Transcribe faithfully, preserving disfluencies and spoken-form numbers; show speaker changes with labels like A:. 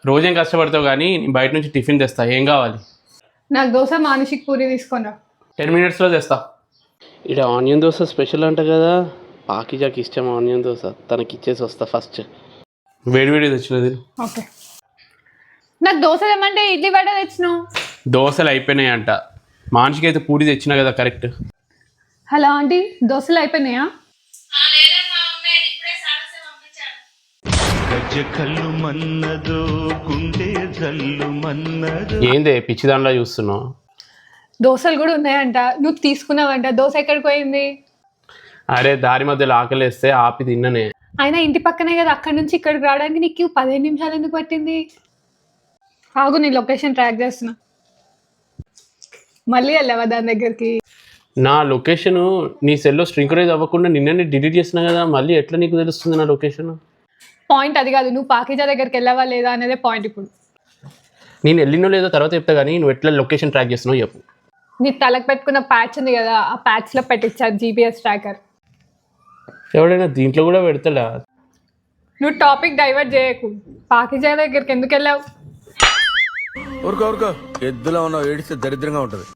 A: రోజేం కష్టపడతావు కానీ నేను బయట నుంచి టిఫిన్ తెస్తా. ఏం కావాలి?
B: నాకు దోశ మానసిక్ పూరి తీసుకున్నా.
A: టెన్ మినిట్స్లో తెస్తా.
C: ఇక్కడ ఆనియన్ దోశ స్పెషల్ అంట కదా, పాకిజాకి ఇష్టం ఆనియన్ దోశ, తనకి ఇచ్చేసి వస్తా ఫస్ట్.
A: వేడి వేడి తెచ్చినది.
B: ఓకే. నాకు దోశ తెమ్మంటే ఇడ్లీ వడ తెచ్చినావు.
A: దోశలు అయిపోయినాయి అంట. మనిషికి అయితే పూరి తెచ్చినా కదా కరెక్ట్.
B: హలో ఆంటీ, దోశలు అయిపోయినాయా?
A: ఏందే పిచ్చి దాంట్లో చూస్తున్నావు?
B: దోశలు కూడా ఉన్నాయంట, నువ్వు తీసుకున్నావంట. దోశ ఎక్కడికి పోయింది?
A: అరే దారి మధ్యలో ఆకలేస్తే ఆపి తిన్ననే.
B: అయినా ఇంటి పక్కనే కదా, అక్కడి నుంచి ఇక్కడికి రావడానికి నీకు పదిహేను నిమిషాలు ఎందుకు పట్టింది? ఆగు, నీ లొకేషన్ ట్రాక్ చేస్తున్నా. మళ్ళీ వెళ్ళావా దాని దగ్గరికి?
A: నా లొకేషన్ నీ సెల్లో స్ట్రింకరైజ్ అవ్వకుండా నిన్ననే డిలీట్ చేసినా కదా, మళ్ళీ ఎట్లా నీకు తెలుస్తుంది నా లొకేషన్?
B: పాయింట్ అది కాదు, నువ్వు పాకిజా దగ్గరికి వెళ్ళావా లేదా అనేదే పాయింట్. ఇప్పుడు
A: నేను వెళ్ళినో లేదో తర్వాత చెప్తా, కానీ నువ్వు ఎట్లా లొకేషన్ ట్రాక్ చేస్తున్నావు చెప్పు.
B: నీ తలకు పెట్టుకున్న ప్యాచ్ ఉంది కదా, ఆ ప్యాచ్లో పెట్టించారు జీపీఎస్ ట్రాకర్.
A: ఎవడైనా దీంట్లో కూడా పెడతాడా?
B: నువ్వు టాపిక్ డైవర్ట్ చేయకు. పాకిజా దగ్గరికి ఎందుకు వెళ్ళావు?
D: ఊరుకో ఊరుకో, ఎద్దులో ఉన్న ఏడిస్తే దరిద్రంగా ఉంటుంది.